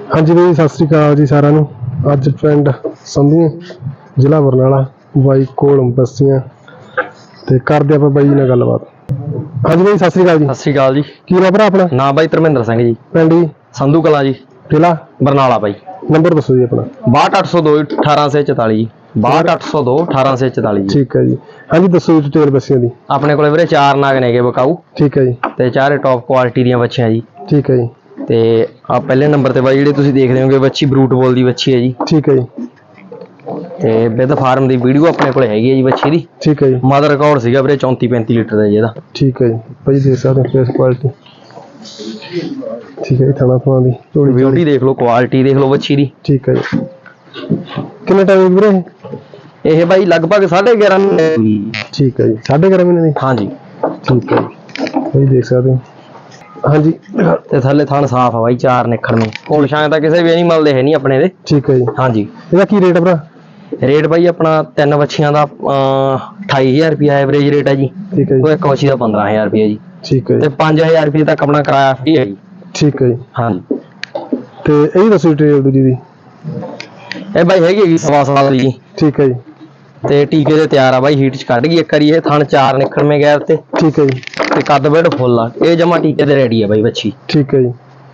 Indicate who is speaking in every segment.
Speaker 1: हाँ जी भाई, सत श्री अकाल जी सारिਆਂ ਨੂੰ। ਅੱਜ ਪਿੰਡ ਸੰਧੂ ਜ਼ਿਲ੍ਹਾ ਬਰਨਾਲਾ ਬਾਈ ਕੋਲ ਬੱਸੀਆਂ ਤੇ ਕਰਦੇ ਆਪਾਂ ਬਾਈ ਨਾਲ ਗੱਲਬਾਤ। ਹਾਂਜੀ ਬਾਈ, ਸਤਿ श्री अकाल जी।
Speaker 2: सत श्री अकाल जी।
Speaker 1: ਕੀ ਨਾਮ ਭਰਾ ਆਪਣਾ?
Speaker 2: नाम भाई धर्मेंद्र सिंह जी,
Speaker 1: ਪਿੰਡ ਜੀ?
Speaker 2: संधू कला जी,
Speaker 1: ਜ਼ਿਲ੍ਹਾ
Speaker 2: बरनाला भाई।
Speaker 1: ਨੰਬਰ ਦੱਸੋ ਜੀ ਆਪਣਾ।
Speaker 2: 62 802 1844 जी, 62 802 1844 जी।
Speaker 1: ਠੀਕ ਹੈ ਜੀ। ਹਾਂਜੀ ਦੱਸੋ ਜੀ ਡਿਟੇਲ ਬੱਸੀਆਂ ਦੀ।
Speaker 2: ਆਪਣੇ ਕੋਲੇ ਵੀਰੇ 4 ਨਾਗ ਨੇਗੇ ਬਕਾਊ
Speaker 1: ਠੀਕ ਹੈ ਜੀ।
Speaker 2: ਤੇ ਚਾਰੇ ਟੌਪ ਕੁਆਲਿਟੀ ਦੀਆਂ ਬੱਚੀਆਂ ਜੀ।
Speaker 1: ਠੀਕ ਹੈ ਜੀ।
Speaker 2: ਤੇ ਆ ਪਹਿਲੇ ਨੰਬਰ ਤੇ ਬਾਈ ਜਿਹੜੇ ਤੁਸੀਂ ਦੇਖਦੇ ਹੋਗੇ ਬੱਚੀ ਬਰੂਟ ਬੋਲ ਦੀ ਬੱਚੀ ਹੈ ਜੀ।
Speaker 1: ਠੀਕ ਹੈ ਜੀ।
Speaker 2: ਤੇ ਵਿਦ ਫਾਰਮ ਦੀ ਵੀਡੀਓ ਆਪਣੇ ਕੋਲੇ ਹੈਗੀ ਹੈ ਜੀ ਬੱਚੀ ਦੀ।
Speaker 1: ਠੀਕ ਹੈ ਜੀ।
Speaker 2: ਮਦਰ ਰਿਕਾਰਡ ਸੀਗਾ ਵੀਰੇ 34 35 ਲੀਟਰ ਦਾ ਜੀ ਇਹਦਾ।
Speaker 1: ਠੀਕ ਹੈ ਜੀ ਭਾਈ, ਦੇਖ ਸਕਦੇ ਹੋ ਫੇਸ ਕੁਆਲਿਟੀ। ਠੀਕ ਹੈ ਜੀ। ਥਣਾ ਥਣਾ ਦੀ
Speaker 2: ਬਿਊਟੀ ਦੇਖ ਲਓ, ਕੁਆਲਿਟੀ ਦੇਖ ਲਓ ਬੱਚੀ ਦੀ।
Speaker 1: ਠੀਕ ਹੈ ਜੀ। ਕਿੰਨੇ ਟਾਈਮ ਵੀਰੇ
Speaker 2: ਇਹ ਬਾਈ ਲਗਭਗ 11.5 ਮਹੀਨੇ।
Speaker 1: ਠੀਕ ਹੈ ਜੀ। 11.5 ਮਹੀਨੇ ਦੀ।
Speaker 2: ਹਾਂਜੀ।
Speaker 1: ਠੀਕ ਹੈ ਜੀ ਭਾਈ, ਦੇਖ ਸਕਦੇ ਹੋ। ਹਾਂਜੀ
Speaker 2: ਤੇ ਥੱਲੇ ਥਣ ਸਾਫ ਆ ਬਾਈ, 4 ਨਿਕਲਣੇ ਕੋਲ ਛਾਂ ਤਾਂ ਕਿਸੇ ਵੀ ਐਨੀਮਲ ਦੇ ਹੈ ਨਹੀਂ ਆਪਣੇ ਦੇ।
Speaker 1: ਠੀਕ ਹੈ ਜੀ।
Speaker 2: ਹਾਂਜੀ।
Speaker 1: ਇਹਦਾ ਕੀ ਰੇਟ ਹੈ ਭਰਾ?
Speaker 2: ਰੇਟ ਬਾਈ ਆਪਣਾ 3 ਬੱਚੀਆਂ ਦਾ 28000 ਰੁਪਿਆ ਐਵਰੇਜ ਰੇਟ ਹੈ ਜੀ।
Speaker 1: ਠੀਕ ਹੈ ਜੀ।
Speaker 2: ਉਹ ਇੱਕ ਬੱਚੀ ਦਾ 15000 ਰੁਪਿਆ ਜੀ।
Speaker 1: ਠੀਕ ਹੈ
Speaker 2: ਤੇ
Speaker 1: ਜੀ।
Speaker 2: 5000 ਰੁਪਏ ਤੱਕ ਆਪਣਾ ਕਿਰਾਇਆ ਫ੍ਰੀ ਹੈ ਜੀ।
Speaker 1: ਠੀਕ ਹੈ ਜੀ।
Speaker 2: ਹਾਂਜੀ।
Speaker 1: ਤੇ ਇਹ ਦੱਸੋ ਡਿਟੇਲ ਦੂਜੀ ਦੀ।
Speaker 2: ਇਹ ਬਾਈ ਹੈਗੀ 1.25 ਸਾਲ ਦੀ ਜੀ।
Speaker 1: ਠੀਕ ਹੈ ਜੀ।
Speaker 2: ਤੇ ਟੀਕੇ ਦੇ ਤਿਆਰ ਆ ਬਾਈ, ਹੀਟ ਚ ਕੱਢ ਗਈ ਇੱਕ ਵਾਰੀ। ਇਹ ਥਣ 4 ਨਿਕਲਵੇਂ ਗੈਪ ਤੇ।
Speaker 1: ਠੀਕ ਹੈ ਜੀ।
Speaker 2: ਤੇ ਕੱਦ ਬੈਡ ਫੁੱਲ ਆ, ਇਹ ਜਮਾ ਟੀਕੇ ਤੇ ਰੈਡੀ ਆ ਬਾਈ ਬੱਚੀ।
Speaker 1: ਠੀਕ ਹੈ ਜੀ।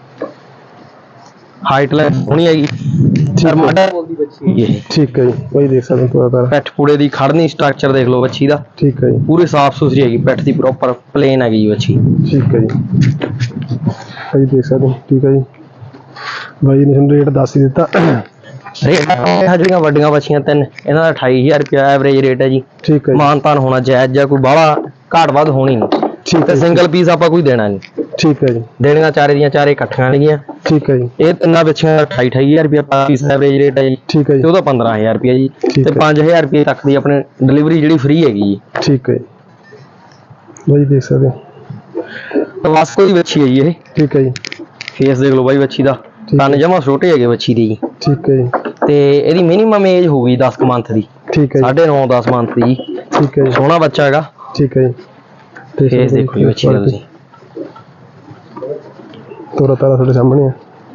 Speaker 2: ਹਾਈਟ ਲੈ ਹੋਣੀ ਹੈਗੀ। ਮਾਡਾ ਬੋਲਦੀ ਬੱਚੀ ਹੈਗੀ ਇਹ।
Speaker 1: ਠੀਕ ਹੈ ਜੀ ਭਾਈ, ਦੇਖ ਸਕਦੇ ਹੋ ਪੂਰਾ।
Speaker 2: ਪੈਠ ਪੂੜੇ ਦੀ ਖੜਨੀ ਸਟਰਕਚਰ ਦੇਖ ਲਓ ਬੱਚੀ ਦਾ।
Speaker 1: ਠੀਕ ਹੈ ਜੀ।
Speaker 2: ਪੂਰੀ ਸਾਫ ਸੁਥਰੀ ਹੈਗੀ, ਪੈਠ ਦੀ ਪ੍ਰੋਪਰ ਪਲੇਨ ਹੈਗੀ ਜੀ ਬੱਚੀ।
Speaker 1: ਠੀਕ ਹੈ ਜੀ ਭਾਈ, ਦੇਖ ਸਕਦੇ ਹੋ। ਠੀਕ ਹੈ ਜੀ। ਬਾਈ ਨੇ ਤੁਹਾਨੂੰ ਰੇਟ ਦੱਸ ਹੀ ਦਿੱਤਾ।
Speaker 2: ਰੇਟ ਜਿਹੜੀਆਂ ਵੱਡੀਆਂ ਬੱਚੀਆਂ 3 ਇਹਨਾਂ ਦਾ 28000 ਰੁਪਇਆ ਐਵਰੇਜ ਰੇਟ ਹੈ ਜੀ।
Speaker 1: ਠੀਕ ਹੈ ਜੀ।
Speaker 2: ਮਾਨਤਾਨ ਹੋਣਾ ਜਾਇਜ਼, ਜਾਂ ਕੋਈ ਬਾਹਲਾ ਘਾਟ ਵੱਧ ਹੋਣੀ ਨਹੀਂ।
Speaker 1: ਠੀਕ
Speaker 2: ਤੇ
Speaker 1: ਹੈ।
Speaker 2: ਸਿੰਗਲ ਪੀਸ ਆਪਾਂ ਕੋਈ ਦੇਣਾ ਨਹੀਂ।
Speaker 1: ਠੀਕ ਹੈ ਜੀ।
Speaker 2: ਦੇਣੀਆਂ ਚਾਰੇ ਦੀਆਂ ਚਾਰੇ ਇਕੱਠੀਆਂ ਨੇਗੀਆਂ।
Speaker 1: ਠੀਕ ਹੈ ਜੀ।
Speaker 2: ਇਹ ਤਿੰਨਾਂ ਬੱਚੀਆਂ ਦਾ 28000 ਰੁਪਇਆ ਪੀਸ ਐਵਰੇਜ ਰੇਟ ਹੈ ਜੀ।
Speaker 1: ਠੀਕ ਹੈ ਜੀ।
Speaker 2: ਤੇ ਉਹਦਾ 15000 ਰੁਪਇਆ ਜੀ।
Speaker 1: ਠੀਕ
Speaker 2: ਤੇ
Speaker 1: ਹੈ।
Speaker 2: 5000 ਰੁਪਏ ਤੱਕ ਦੀ ਆਪਣੇ ਡਿਲੀਵਰੀ ਜਿਹੜੀ ਫ੍ਰੀ ਹੈਗੀ ਜੀ।
Speaker 1: ਠੀਕ ਹੈ ਜੀ ਬਾਈ, ਦੇਖ ਸਕਦੇ ਹੋ।
Speaker 2: ਵਾਸਕੋ ਦੀ ਬੱਚੀ ਹੈ ਜੀ ਇਹ।
Speaker 1: ਠੀਕ ਹੈ ਜੀ।
Speaker 2: ਫੇਸ ਦੇਖ ਲਓ ਬਾਈ ਬੱਚੀ ਦਾ। ਕੰਨ ਜਮਾ ਛੋਟੇ ਹੈਗੇ ਬੱਚੀ ਦੇ ਜੀ।
Speaker 1: ਠੀਕ ਹੈ ਜੀ।
Speaker 2: ਤੇ ਇਹਦੀ ਮਿਨੀਮਮ ਏਜ ਹੋਊਗੀ 10 ਮੰਥ ਦੀ।
Speaker 1: ਠੀਕ ਹੈ ਜੀ।
Speaker 2: 9.5 10 ਮੰਥ ਦੀ।
Speaker 1: ਠੀਕ ਹੈ ਜੀ।
Speaker 2: ਸੋਹਣਾ ਬੱਚਾ ਹੈਗਾ।
Speaker 1: ਠੀਕ ਹੈ ਜੀ।
Speaker 2: ਫੇਸ ਦੇਖੋ ਜੀ ਬੱਚੀ ਦਾ ਤੁਸੀਂ।
Speaker 1: ਤੋਰਾ ਤਾਰਾ ਤੁਹਾਡੇ ਸਾਹਮਣੇ ਆ।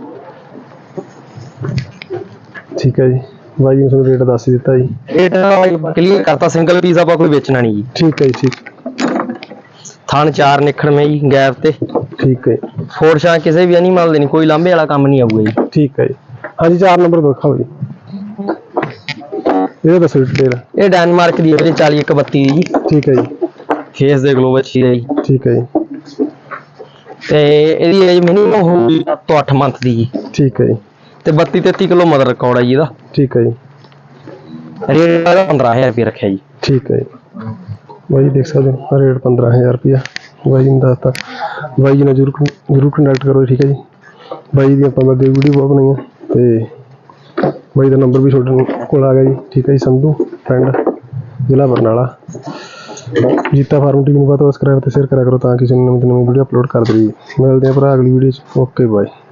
Speaker 1: ਠੀਕ ਹੈ ਜੀ ਬਾਈ ਨੇ ਤੁਹਾਨੂੰ ਰੇਟ ਦੱਸ ਹੀ ਦਿੱਤਾ ਜੀ।
Speaker 2: ਰੇਟ ਕਲੀਅਰ ਕਰਤਾ, ਸਿੰਗਲ ਪੀਸ ਆਪਾਂ ਕੋਈ ਵੇਚਣਾ ਨਹੀਂ ਜੀ।
Speaker 1: ਠੀਕ ਹੈ ਜੀ। ਠੀਕ।
Speaker 2: ਥਣ 4 ਨਿਕਲਵੇਂ ਜੀ ਗੈਪ ਤੇ।
Speaker 1: ਠੀਕ ਹੈ।
Speaker 2: ਫੋਰਸ਼ਾਂ ਕਿਸੇ ਵੀ ਐਨੀਮਲ ਦੇ ਨਹੀਂ, ਕੋਈ ਲਾਂਭੇ ਵਾਲਾ ਕੰਮ ਨਹੀਂ ਆਊਗਾ ਜੀ।
Speaker 1: ਠੀਕ ਹੈ ਜੀ। ਹਾਂਜੀ 4 ਨੰਬਰ ਦਿਖਾਓ ਜੀ। ਇਹ ਦੱਸੋ ਡਿਟੇਲ।
Speaker 2: ਇਹ ਡੈਨਮਾਰਕ ਦੀ ਹੈ 40 132 ਦੀ ਜੀ।
Speaker 1: ਠੀਕ ਹੈ ਜੀ।
Speaker 2: ਫੇਸ ਦੇਖ ਲਓ ਬੱਚੀ ਦਾ ਜੀ।
Speaker 1: ਠੀਕ ਹੈ ਜੀ।
Speaker 2: ਤੇ ਇਹਦੀ ਏਜ ਮਿਨੀਮਮ ਹੋਊਗੀ 7 ਤੋਂ 8 ਮੰਥ ਦੀ ਜੀ।
Speaker 1: ਠੀਕ ਹੈ ਜੀ।
Speaker 2: ਤੇ 32 33 ਕਿਲੋ ਮਦਰ ਰਿਕਾਰਡ ਹੈ ਜੀ ਇਹਦਾ।
Speaker 1: ਠੀਕ ਹੈ ਜੀ।
Speaker 2: ਰੇਟ ਦਾ 15000 ਰੁਪਏ ਰੱਖਿਆ ਜੀ।
Speaker 1: ਠੀਕ ਹੈ ਜੀ ਬਾਈ, ਦੇਖ ਸਕਦੇ ਹੋ ਰੇਟ 15000 ਰੁਪਇਆ ਬਾਈ ਨੇ ਦੱਸਤਾ। ਬਾਈ ਜੀ ਨਾਲ ਜ਼ਰੂਰ ਕੰਟੈਕਟ ਕਰੋ। ਠੀਕ ਹੈ ਜੀ। ਬਾਈ ਦੀ ਆਪਾਂ ਅੱਗੇ ਵੀਡੀਓ ਬਹੁਤ ਬਣਾਈਆਂ ਤੇ ਬਾਈ ਦਾ ਨੰਬਰ ਵੀ ਤੁਹਾਡੇ ਕੋਲ ਆ ਗਿਆ ਜੀ। ਠੀਕ ਹੈ ਜੀ। ਸੰਧੂ ਪਿੰਡ ਜ਼ਿਲ੍ਹਾ ਬਰਨਾਲਾ। ਜੀਤਾ ਫਾਰਮ ਟੀਮ ਨੂੰ ਸਬਸਕ੍ਰਾਈਬ ਤੇ ਸ਼ੇਅਰ ਕਰਿਆ ਕਰੋ ਤਾਂ ਕਿ ਨਵੀਂ ਵੀਡੀਓ ਅਪਲੋਡ ਕਰ ਦੇਈਏ। ਮਿਲਦੇ ਹਾਂ ਭਰਾ ਅਗਲੀ ਵੀਡੀਓ 'ਚ। Okay bye.